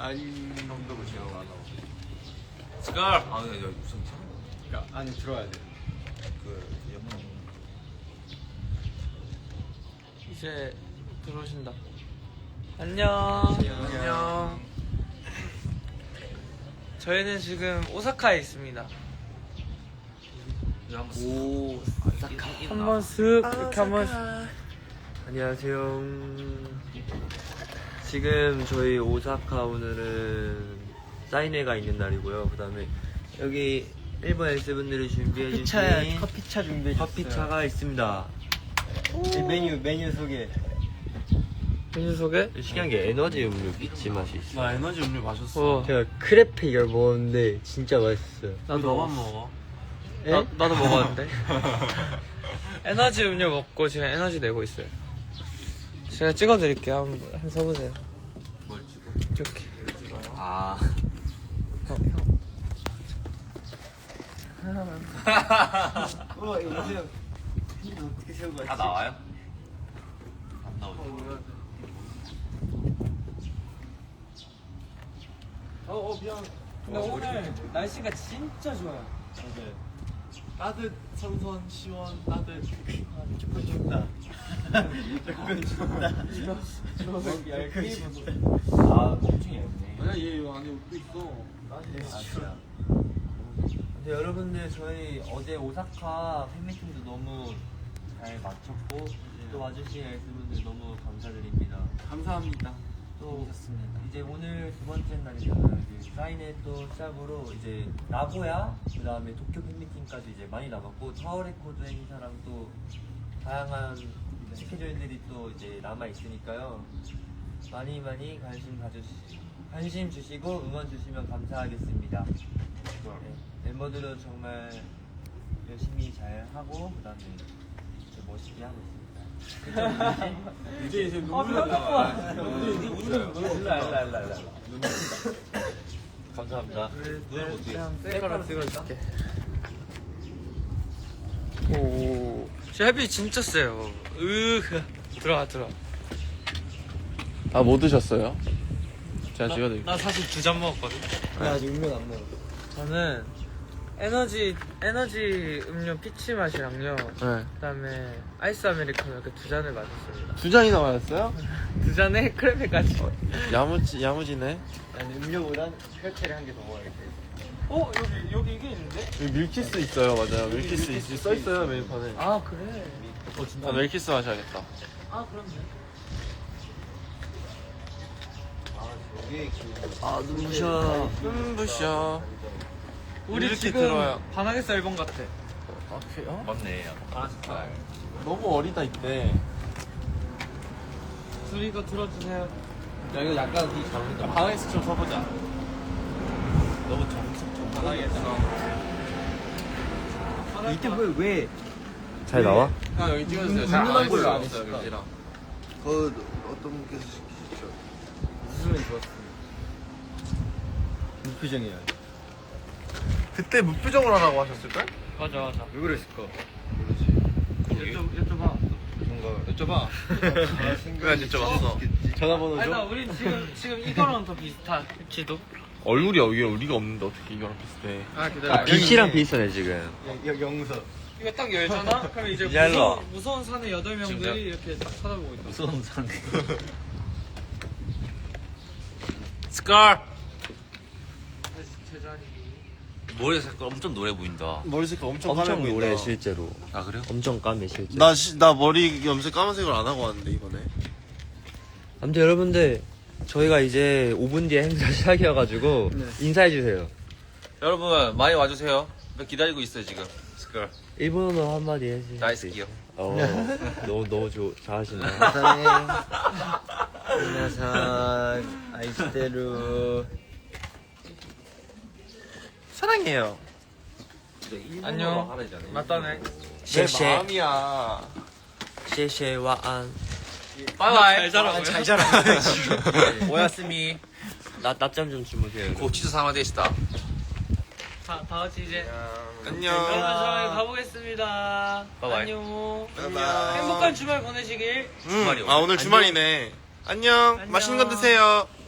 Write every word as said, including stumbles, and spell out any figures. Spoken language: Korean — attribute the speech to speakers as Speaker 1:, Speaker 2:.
Speaker 1: 아니 형도 보시고 안 나오고.
Speaker 2: 스컬. 아, 야, 무슨
Speaker 1: 그러니까 안에 들어야 돼. 그 영문.
Speaker 3: 이제 들어오신다. 안녕.
Speaker 2: 안녕.
Speaker 3: 저희는 지금 오사카에 있습니다.
Speaker 2: 오,
Speaker 3: 한번 쓱 이렇게 한번.
Speaker 4: 안녕하세요. 지금 저희 오사카 오늘은 사인회가 있는 날이고요. 그 다음에 여기 일본 S분들이 준비해주신
Speaker 1: 커피차 준비해
Speaker 4: 커피차가 있습니다.
Speaker 1: 메뉴 메뉴 소개.
Speaker 3: 메뉴 소개?
Speaker 4: 신기한 게 에너지 음료 피치 맛이 있어요.
Speaker 2: 나 에너지 음료 마셨어.
Speaker 3: 어,
Speaker 4: 제가 크레페 이걸 먹었는데 진짜 맛있어요.
Speaker 3: 나도
Speaker 2: 너만 먹어.
Speaker 3: 나, 나도 먹었는데. 에너지 음료 먹고 지금 에너지 내고 있어요. 제가 찍어드릴게요. 한번, 한번 써보세요.
Speaker 2: 뭘 찍어?
Speaker 3: 이렇게.
Speaker 2: 아.
Speaker 3: 어,
Speaker 1: 어 이거 어떻게 세우고 왔지?
Speaker 2: 다 나와요? 안 나오죠.
Speaker 1: 어, 어 미안.
Speaker 3: 근데 오늘 날씨가 진짜 좋아요.
Speaker 1: 맞아요. 따뜻 선선 시원 따뜻. 조금 춥다. 조금 춥다. 이거 얇게 아 엄청 얇네. 아니야 얘 안에 옷도 있어. 맞아.
Speaker 4: 근데 여러분들 저희 어제 오사카 팬미팅도 너무 잘 마쳤고 또 와주신 S분들 너무 감사드립니다.
Speaker 1: 감사합니다.
Speaker 4: 또 이제 오늘 두 번째 날이잖아요. 이제 사인회 또 시작으로 이제 나고야 그 다음에 도쿄 팬미팅까지 이제 많이 남았고 타워 레코드 행사랑 또 다양한 스케줄들이 또 이제 남아 있으니까요. 많이 많이 관심 가주시 관심 주시고 응원 주시면 감사하겠습니다. 네, 멤버들은 정말 열심히 잘 하고 그 다음에 멋있게 하고 있습니다.
Speaker 1: 이제 이제
Speaker 3: 아,
Speaker 1: 눈물 나.
Speaker 4: 랄랄랄랄. 감사합니다.
Speaker 3: 그냥 셀카로 찍어줄게. 오, 저 햇빛 진짜 세요. 으, 들어와 들어와.
Speaker 5: 아, 뭐 드셨어요? 제가 찍어드릴게요.
Speaker 3: 나 사실 두 잔 먹었거든.
Speaker 1: 나 아직 음료 안 먹어.
Speaker 3: 저는 에너지 에너지 음료 피치 맛이랑요.
Speaker 5: 네.
Speaker 3: 그다음에 아이스 아메리카노 이렇게 두 잔을 마셨습니다.
Speaker 5: 두 잔이나 마셨어요?
Speaker 3: 두 잔에 크레페까지.
Speaker 5: 야무지, 야무지네.
Speaker 1: 나는 음료보단 혈태를 한 개 더 먹어야겠다.
Speaker 3: 어 여기 여기 이게 있는데?
Speaker 5: 여기 밀키스 있어요, 맞아요. 밀키스 있, 써있어요, 메뉴판에.
Speaker 3: 아 그래.
Speaker 5: 어, 진짜? 아, 밀키스 마셔야겠다.
Speaker 3: 아 그럼요.
Speaker 4: 아 눈부셔.
Speaker 5: 눈부셔.
Speaker 3: 우리
Speaker 5: 이렇게
Speaker 3: 지금
Speaker 5: 들어와요.
Speaker 3: 바나게스 앨범 같아.
Speaker 5: 아, 그래요?
Speaker 2: 맞네. 약간 파란색깔.
Speaker 5: 너무 어리다, 이때.
Speaker 3: 둘이 이거 들어주세요.
Speaker 1: 야 이거 약간 이 잘못다.
Speaker 5: 바나게스 좀 써보자.
Speaker 2: 너무 정석적.
Speaker 3: 바나게스.
Speaker 1: 이때 왜 왜?
Speaker 4: 잘 나와?
Speaker 5: 형, 여기 찍어주세요.
Speaker 1: 눈눈한 걸로 안 했어.
Speaker 5: 여기랑.
Speaker 6: 그 어떤 분께서 시키셨죠?
Speaker 1: 웃으면 좋았어. 무표정이야.
Speaker 5: 그때 무표정을 하라고 하셨을걸?
Speaker 3: 맞아 맞아.
Speaker 1: 왜 그랬을까?
Speaker 3: 여쭤 여쭤봐.
Speaker 1: 여쭤봐.
Speaker 5: 왜 안 여쭤봤어?
Speaker 1: 전화번호
Speaker 3: 아니 나
Speaker 1: 줘.
Speaker 3: 우리 지금 지금 이거랑 더 비슷할지도.
Speaker 5: 얼굴이 여기 우리가 없는데 어떻게 이거랑 비슷해?
Speaker 3: 아 기다려.
Speaker 4: 빛이랑 비슷하네 지금.
Speaker 1: 여 영서.
Speaker 3: 이거 딱 열잖아? 그럼 이제
Speaker 4: 이제 일로
Speaker 3: 무서운, 무서운 산의 여덟 명들이 이렇게 딱 쳐다보고 있다.
Speaker 2: 무서운 산.
Speaker 3: 스컬! 제자리.
Speaker 2: 머리 색깔 엄청 노래 보인다.
Speaker 5: 머리 색깔 엄청,
Speaker 4: 엄청
Speaker 5: 까매 보인다.
Speaker 4: 노래 실제로.
Speaker 2: 아, 그래요?
Speaker 4: 엄청 까매 실제.
Speaker 5: 나, 시, 나 머리 염색 까만색을 안 하고 왔는데 이번에.
Speaker 4: 아무튼 여러분들 저희가 이제 오 분 뒤에 행사 시작이어가지고 인사해 주세요.
Speaker 2: 여러분, 많이 와주세요. 기다리고 있어요, 지금. 스컬.
Speaker 4: 일본어로 한마디 해주세요.
Speaker 2: 나이스키요.
Speaker 4: 어, 너무 너무 좋 잘하시네.
Speaker 1: 사랑해. 안녕하세요. 아이스테루.
Speaker 5: 사랑해요.
Speaker 3: 안녕. 맞다네.
Speaker 4: 셰셰
Speaker 5: 마음이야.
Speaker 4: 셰셰 와안.
Speaker 3: 바이바이. 잘 자라고요.
Speaker 1: 잘 자라. 오야스미.
Speaker 4: 나 낮잠 좀 주무세요.
Speaker 2: 고치즈 사마데시다.
Speaker 3: 다, 다 같이 이제.
Speaker 5: 안녕.
Speaker 3: 여러분 저희 가보겠습니다.
Speaker 2: 바이바이.
Speaker 3: 안녕.
Speaker 5: 안녕.
Speaker 3: 행복한 주말 보내시길.
Speaker 5: 음, 아 오늘 주말이네. 안녕.
Speaker 3: 안녕.
Speaker 5: 맛있는 거 드세요.